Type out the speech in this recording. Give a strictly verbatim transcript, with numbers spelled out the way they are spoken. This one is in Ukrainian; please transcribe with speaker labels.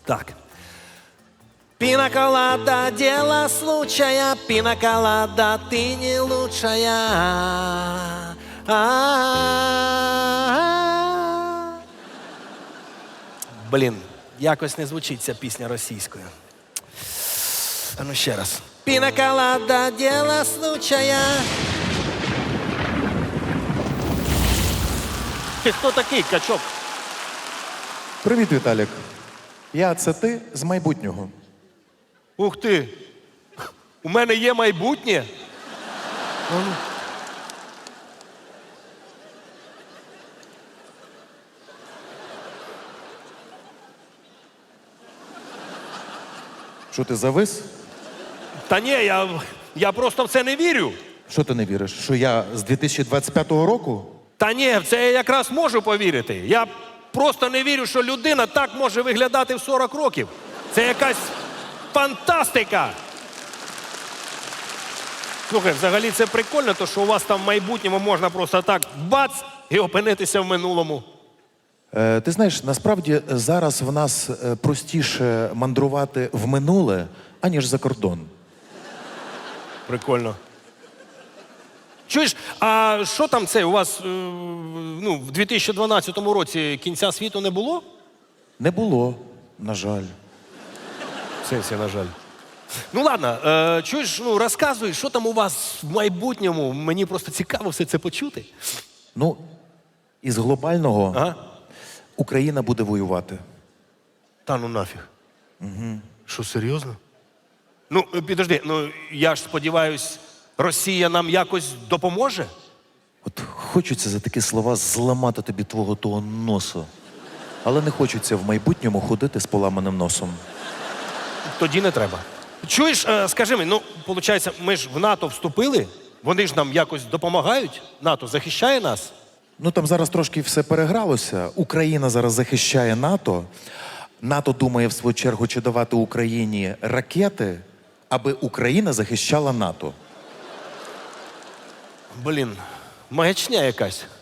Speaker 1: Так. Пинаколада, дело случая, пинаколада, ты не лучшая. А-а-а. Блін, якось не звучить ця пісня російською. А ну ще раз. Пинаколада, дело случая. Ти хто такий, качок?
Speaker 2: Привіт, Віталік. Я це ти з майбутнього.
Speaker 1: Ух ти! У мене є майбутнє?
Speaker 2: Що ти завис?
Speaker 1: Та ні, я, я просто в це не вірю.
Speaker 2: Що ти не віриш? Що я з дві тисячі двадцять п'ятого року?
Speaker 1: Та ні, в це я якраз можу повірити. Я просто не вірю, що людина так може виглядати в сорок років. Це якась фантастика. Слухай, взагалі це прикольно, то що у вас там в майбутньому можна просто так бац і опинитися в минулому.
Speaker 2: Е, ти знаєш, насправді зараз в нас е, простіше мандрувати в минуле, аніж за кордон.
Speaker 1: Прикольно. Чуєш, а що там це у вас е, ну, в дві тисячі дванадцятому році кінця світу не було?
Speaker 2: Не було, на жаль.
Speaker 1: В сенсі, на жаль. Ну ладно, е, чуєш, ну розказуй, що там у вас в майбутньому. Мені просто цікаво все це почути.
Speaker 2: Ну, із глобального
Speaker 1: Ага.
Speaker 2: Україна буде воювати.
Speaker 1: Та ну нафіг. Угу. Що, серйозно? Ну, е, підожди, ну я ж сподіваюсь, Росія нам якось допоможе?
Speaker 2: От хочеться за такі слова зламати тобі твого того носу. Але не хочеться в майбутньому ходити з поламаним носом.
Speaker 1: Тоді не треба. Чуєш, е, скажи мені, ну, виходить, ми ж в НАТО вступили, вони ж нам якось допомагають? НАТО захищає нас?
Speaker 2: Ну там зараз трошки все перегралося. Україна зараз захищає НАТО. НАТО думає, в свою чергу, чи давати Україні ракети, аби Україна захищала НАТО.
Speaker 1: Блін, маячня якась.